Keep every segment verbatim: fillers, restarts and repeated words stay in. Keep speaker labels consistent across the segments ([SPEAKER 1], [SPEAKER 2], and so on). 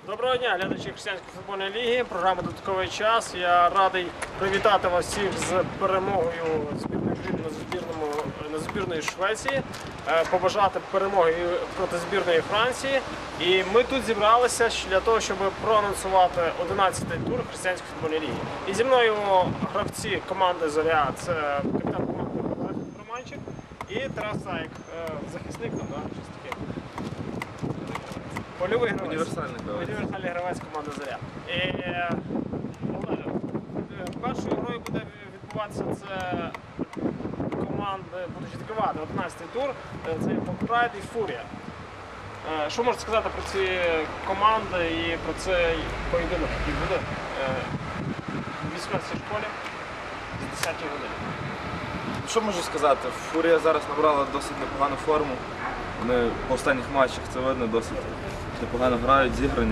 [SPEAKER 1] Доброго дня, глядачі Християнської футбольної ліги, програма «Додатковий час». Я радий привітати вас всіх з перемогою збірної України на збірному на збірної Швеції, побажати перемоги проти збірної Франції. І ми тут зібралися для того, щоб проанонсувати одинадцятий тур Християнської футбольної ліги. І зі мною гравці команди «Зоря» – це капітан команди Олег Романчик і Тарас Заєк, захисник, там, да? Щось таке. Польовий гравець.
[SPEAKER 2] Універсальний гравець.
[SPEAKER 1] Універсальний гравець команди «Зоря». І, Олеже, першою грою буде відбуватися це команди, будуть відкривати одинадцятий тур, це Прайд і Фурія. Що можете сказати про ці команди і про цей поєдинок, який буде в вісімнадцятій школі з десятої години?
[SPEAKER 2] Що можу сказати? Фурія зараз набрала досить непогану форму. Вони по останніх матчах, це видно, досить непогано грають, зіграні.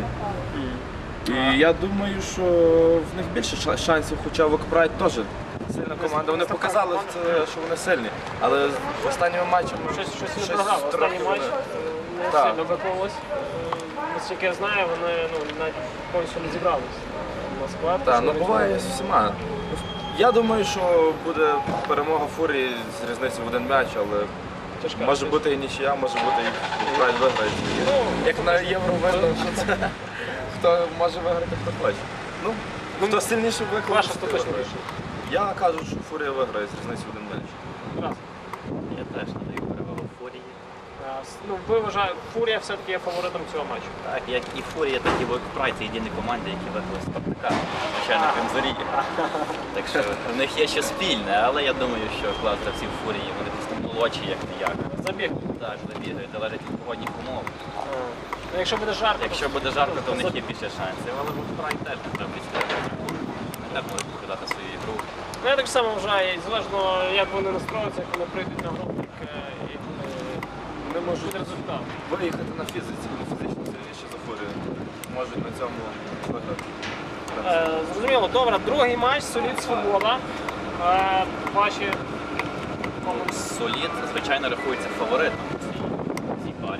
[SPEAKER 2] І я думаю, що в них більше шансів, хоча Вокпрайд теж сильна команда. Вони показали, що вони сильні, але в останньому матчі
[SPEAKER 1] щось, щось не програв. Останній матч не
[SPEAKER 2] так.
[SPEAKER 1] сильно виконувалось. Наскільки я знаю, вони ну, навіть повністю не зібрались на склад.
[SPEAKER 2] Так, ну буває з всіма. Я думаю, що буде перемога Фурії з різницею в один м'яч, але
[SPEAKER 1] Тяжка,
[SPEAKER 2] може бути і нічия, може бути і Прайд виграє.
[SPEAKER 1] Ну,
[SPEAKER 2] як на Євро видно, що це хто може виграти, хто хоче. Ну, хто сильніше викликає.
[SPEAKER 1] Ваше остаточне рішення.
[SPEAKER 2] Я кажу, що Фурія виграє з різницею в один м'яч.
[SPEAKER 1] Раз.
[SPEAKER 3] Я теж надаю перевагу Фурії.
[SPEAKER 1] Ну, ви вважаєте, Фурія все-таки є фаворитом цього матчу?
[SPEAKER 3] Так, як і Фурія, так і Вокпрайд – це єдині команди, які виграли Спартака, звичайно, крім Зорі. Так що в них є ще спільне, але я думаю, що клас гравців Фурії, вони просто молодші, як не як.
[SPEAKER 1] Забіг.
[SPEAKER 3] Так, забігають, залежить від погодних умов.
[SPEAKER 1] Ну, якщо буде жарко,
[SPEAKER 3] Якщо буде жарко, то в них є більше шансів, але Вокпрайд теж не треба відставити. Вони теж можуть показати свою ігру.
[SPEAKER 1] Ну, я так само вважаю, і залежно як вони настроюються, як вони прийдуть на гру, так і
[SPEAKER 2] Вони можуть
[SPEAKER 1] результат.
[SPEAKER 2] виїхати на фізиці, вони фізично сильніші за Фурію. Можуть на цьому виграти.
[SPEAKER 1] Е, зрозуміло, добре, другий матч, Солід Свобода. Е, ваші команди.
[SPEAKER 3] Солід, звичайно, рахується фаворитом в цій, в цій парі.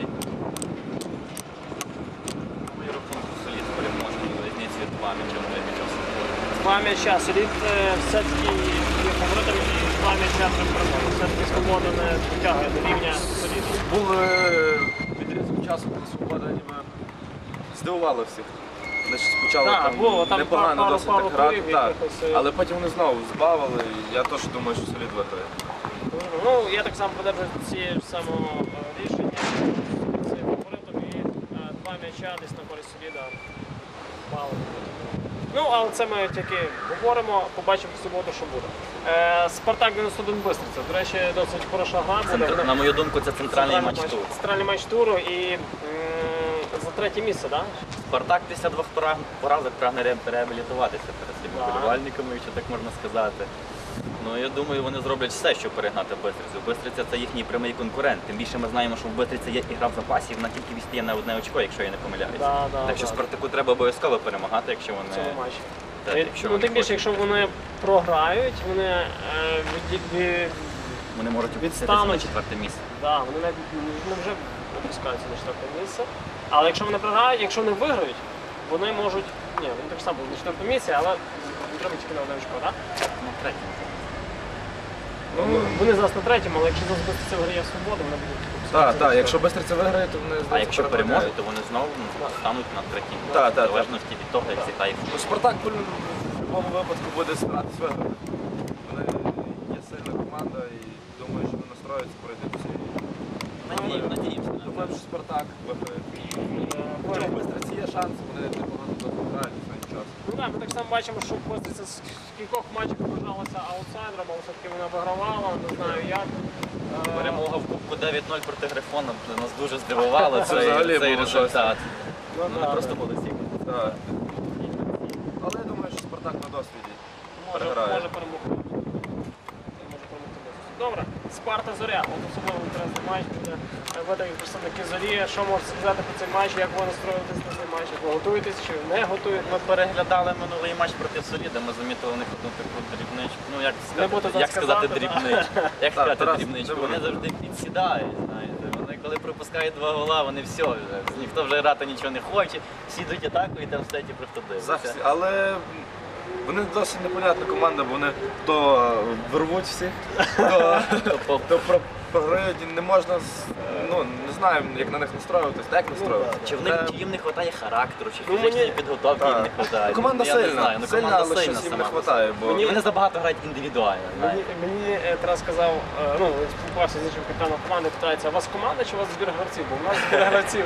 [SPEAKER 3] Мою рахунку Солід переможний різницею два м'яча в м'яча.
[SPEAKER 1] Два м'яча. Солід е, все-таки є фаворитом і два м'яча при перемоги. Все-таки Свобода не дотягує до рівня Соліду.
[SPEAKER 2] Був відрізок часу, коли Свобода ніби здивувала всіх. Вони ще спочатку
[SPEAKER 1] Так,
[SPEAKER 2] там
[SPEAKER 1] було, там
[SPEAKER 2] непогано
[SPEAKER 1] пару-
[SPEAKER 2] досить
[SPEAKER 1] пару
[SPEAKER 2] так грати,
[SPEAKER 1] турів
[SPEAKER 2] так.
[SPEAKER 1] якихось, е.
[SPEAKER 2] Але потім вони знову збавили, і я теж думаю, що Солід виграє.
[SPEAKER 1] Ну, я так само подержую цієї ж самого е, рішення. Це фаворитом і е, два м'яча десь на користь Соліда. Мало. Ну, але це ми тільки говоримо, побачимо в суботу, що буде. Е, Спартак дев'яносто один Бистриця. До речі, досить хороша гра буде.
[SPEAKER 3] Центр- На мою думку, це центральний матч туру.
[SPEAKER 1] Центральний матч туру і м, за третє місце, так?
[SPEAKER 3] Спартак після двох пора- поразок прагне ре- реабілітуватися перед своїми
[SPEAKER 1] Так.
[SPEAKER 3] вболівальниками, якщо так можна сказати. Ну, я думаю, вони зроблять все, щоб перегнати Бистрицю. Бистриця – це їхній прямий конкурент. Тим більше ми знаємо, що в Бистриці є ігра в запасі, і вона тільки відстає на одне очко, якщо я не помиляюся.
[SPEAKER 1] Да, да,
[SPEAKER 3] так що
[SPEAKER 1] да.
[SPEAKER 3] Спартаку треба обов'язково перемагати, якщо
[SPEAKER 1] В
[SPEAKER 3] вони...
[SPEAKER 1] цьому матчі.
[SPEAKER 3] Так,
[SPEAKER 1] І,
[SPEAKER 3] якщо
[SPEAKER 1] ну,
[SPEAKER 3] вони
[SPEAKER 1] тим більше,
[SPEAKER 3] хочуть.
[SPEAKER 1] якщо вони програють, вони е, від, від,
[SPEAKER 3] Вони можуть опуститися
[SPEAKER 1] відстануть.
[SPEAKER 3] на четверте місце.
[SPEAKER 1] да, вони навіть ну, вже опускаються на четверте місце. Але якщо вони програють, якщо вони виграють, вони можуть. Ні, вони так само будуть на четвертому місці, але треба тільки на одне очко, так?
[SPEAKER 3] Ну, третє.
[SPEAKER 1] Ну, вони зараз на третьому, але якщо зараз збитися в грі свободу, вони будуть опускатися.
[SPEAKER 2] Так,
[SPEAKER 1] на
[SPEAKER 2] так,
[SPEAKER 1] четверте.
[SPEAKER 2] якщо Бистриця виграє, то вони
[SPEAKER 3] А
[SPEAKER 2] здається,
[SPEAKER 3] якщо
[SPEAKER 2] перемагають.
[SPEAKER 3] переможуть, то вони знову ну, стануть на третій місці.
[SPEAKER 2] Так, так,
[SPEAKER 3] В
[SPEAKER 2] так.
[SPEAKER 3] залежності від того, як зіграє
[SPEAKER 2] Ну,
[SPEAKER 3] футбол.
[SPEAKER 2] Спартак в будь-якому випадку буде старатись виграти. Вони є сильна команда і думаю, що вони настроюються пройти всі.
[SPEAKER 3] Надіємо, надіємося. на це.
[SPEAKER 2] Думаю, що Спартак виграє. Хоча в Бистриці є шанс, вони непогано грають останній час.
[SPEAKER 1] Ну так, ми так само бачимо, що Бистриця з кількох матчів вважалася аутсайдером, але все-таки вона вигравала, не знаю як. Е,
[SPEAKER 3] Перемога в Кубку дев'ять нуль проти Грифона нас дуже здивувала
[SPEAKER 2] Це
[SPEAKER 3] цей,
[SPEAKER 2] взагалі
[SPEAKER 3] цей
[SPEAKER 2] було
[SPEAKER 3] результат.
[SPEAKER 1] Ну,
[SPEAKER 3] Ну,
[SPEAKER 1] да,
[SPEAKER 3] не просто
[SPEAKER 1] да.
[SPEAKER 3] молодці.
[SPEAKER 2] Так. Але я думаю, що Спартак на досвіді.
[SPEAKER 1] Може,
[SPEAKER 2] переграє.
[SPEAKER 1] може перемогти. Може перемогти Бистрицю. Добре, Спарта Зоря. От особливо інтересний матч буде. Ви такі представники Зорі. Що можете сказати про цей матч, як ви настроїтесь на цей матч? Як ви готуєтесь чи не готуєтесь?
[SPEAKER 3] Ми переглядали минулий матч проти Соліда, ми замітили у них одну таку дрібничку. Ну, як
[SPEAKER 1] Не буду
[SPEAKER 3] сказати,
[SPEAKER 1] так
[SPEAKER 3] як сказати
[SPEAKER 1] сказати, да.
[SPEAKER 3] дрібничку? Як
[SPEAKER 2] Так,
[SPEAKER 3] сказати
[SPEAKER 2] Тарас,
[SPEAKER 3] дрібничку?
[SPEAKER 2] не
[SPEAKER 3] Вони
[SPEAKER 2] буду.
[SPEAKER 3] завжди підсідають, знаєте. Вони коли пропускають два гола, вони все, вже, ніхто вже грати нічого не хоче, всі йдуть атаку і там стоять і просто дивляться.
[SPEAKER 2] Захист, але вони досить непонятна команда, бо вони то вирвуть всіх, то,
[SPEAKER 3] Тобто,
[SPEAKER 2] то про- програють, і не можна, з- ну не знаю, як на них настроюватись, так як настроюватися.
[SPEAKER 3] Чи, в них, чи їм не вистачає характеру, чи
[SPEAKER 1] Ну,
[SPEAKER 3] фізичної
[SPEAKER 1] мені-
[SPEAKER 3] підготовки їм не
[SPEAKER 2] Так.
[SPEAKER 3] вистачає.
[SPEAKER 2] Команда
[SPEAKER 3] я не
[SPEAKER 2] сильна,
[SPEAKER 3] знаю, ну,
[SPEAKER 2] сильна,
[SPEAKER 3] команда
[SPEAKER 2] але
[SPEAKER 3] сильна
[SPEAKER 2] щось їм
[SPEAKER 3] сама
[SPEAKER 2] не
[SPEAKER 3] по
[SPEAKER 2] вистачає,
[SPEAKER 3] собі.
[SPEAKER 2] бо
[SPEAKER 3] Мені вони забагато грають індивідуально.
[SPEAKER 1] Мені,
[SPEAKER 3] знаєте.
[SPEAKER 1] мені е, Тарас сказав, е, ну, спілкувався з іншим капітаном команди, питається, у вас команда чи у вас збір гравців? Бо у нас збір гравців.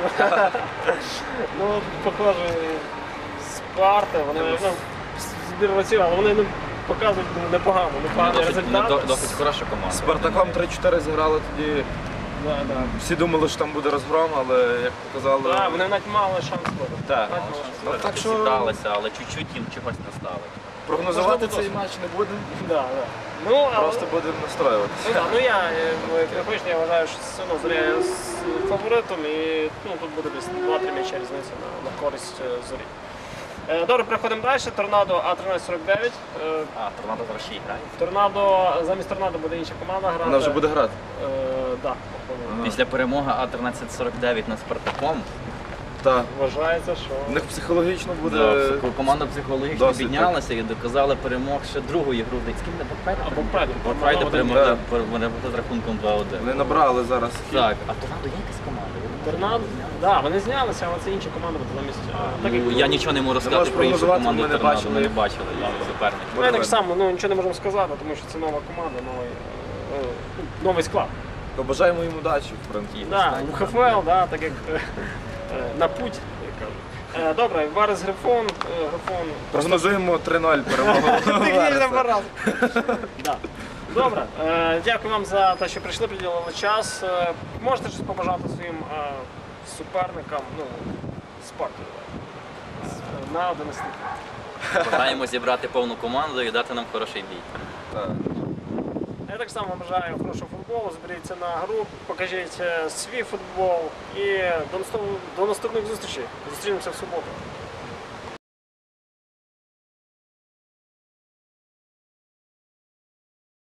[SPEAKER 1] Ну, похоже, Спарта, вони, ну, збір гравців, але вони ну, показують ну, непогано, непоганий
[SPEAKER 3] Досить, вони
[SPEAKER 1] результат.
[SPEAKER 3] до- досить хороша команда.
[SPEAKER 2] з Спартаком три-чотири зіграли тоді.
[SPEAKER 1] Да, да.
[SPEAKER 2] Всі думали, що там буде розгром, але як показали.
[SPEAKER 1] Да, вони навіть мали шанс виграти.
[SPEAKER 2] Так.
[SPEAKER 1] Навіть мали шанс.
[SPEAKER 2] Ну, так що-
[SPEAKER 3] Зібралися, але чуть-чуть їм чогось не стало.
[SPEAKER 2] Прогнозувати
[SPEAKER 1] Можливо,
[SPEAKER 2] цей
[SPEAKER 1] досить.
[SPEAKER 2] матч не будемо,
[SPEAKER 1] Да, да. Ну, але-
[SPEAKER 2] просто будемо настроюватися.
[SPEAKER 1] Ну, да, ну я, е, ну, як ви хочете, я вважаю, що все одно Зоря є з фаворитом і ну, тут буде десь два-три м'яча різниця на, на користь е, Зорі. Е, Добре, переходимо далі. Торнадо А тринадцять сорок дев'ять. Е,
[SPEAKER 3] А, Торнадо зараз ще й грає.
[SPEAKER 1] Торнадо, замість Торнадо буде інша команда грати.
[SPEAKER 2] Вона вже буде грати.
[SPEAKER 1] Е, да, походу.
[SPEAKER 2] Ага.
[SPEAKER 3] Після перемоги А тринадцять сорок дев'ять над Спартаком,
[SPEAKER 2] Так.
[SPEAKER 1] Вважається, що...
[SPEAKER 2] У них психологічно буде.
[SPEAKER 3] да, психо- команда психологічно
[SPEAKER 2] досить
[SPEAKER 3] піднялася і доказала перемог ще другої гру. З ким не Бокпрайдом?
[SPEAKER 1] Або Прайдом.
[SPEAKER 3] Бокпрайда
[SPEAKER 1] Торнадо
[SPEAKER 3] перемогли
[SPEAKER 2] да.
[SPEAKER 3] перемогли з рахунком два-один.
[SPEAKER 2] Вони набрали зараз.
[SPEAKER 3] Так, а Торнадо є якась команда?
[SPEAKER 1] Торнадо, да, вони знялися, але це інша команда буде замість. е, Так, як
[SPEAKER 3] Ну, я нічого не можу сказати
[SPEAKER 2] можеш
[SPEAKER 3] про іншу
[SPEAKER 2] прогнозувати,
[SPEAKER 3] команду
[SPEAKER 2] ми не
[SPEAKER 3] Торнадо,
[SPEAKER 2] бачили
[SPEAKER 3] ми не
[SPEAKER 2] їх.
[SPEAKER 3] бачили да, суперників.
[SPEAKER 1] Ну, я так само, ну нічого не можемо сказати, тому що це нова команда, новий, е, ну, новий склад.
[SPEAKER 2] Побажаємо їм удачі, в принципі.
[SPEAKER 1] Да, в ХФЛ, да, так як е, е, на путь, як кажуть. Е, Добре, Варес Грифон, е, Грифон.
[SPEAKER 2] Прогнозуємо три-нуль перемогу.
[SPEAKER 1] Технічно пораз. Да. Добре, е, дякую вам за те, що прийшли, приділили час. Е, Можете щось побажати своїм е, суперникам, ну, Спарті, давай, на одинадцять.
[SPEAKER 3] Бажаємо зібрати повну команду і дати нам хороший бій.
[SPEAKER 2] Так.
[SPEAKER 1] Я так само бажаю хорошого футболу, зберіться на гру, покажіть е, свій футбол і до наступ- до наступних зустрічей. Зустрінемося в суботу.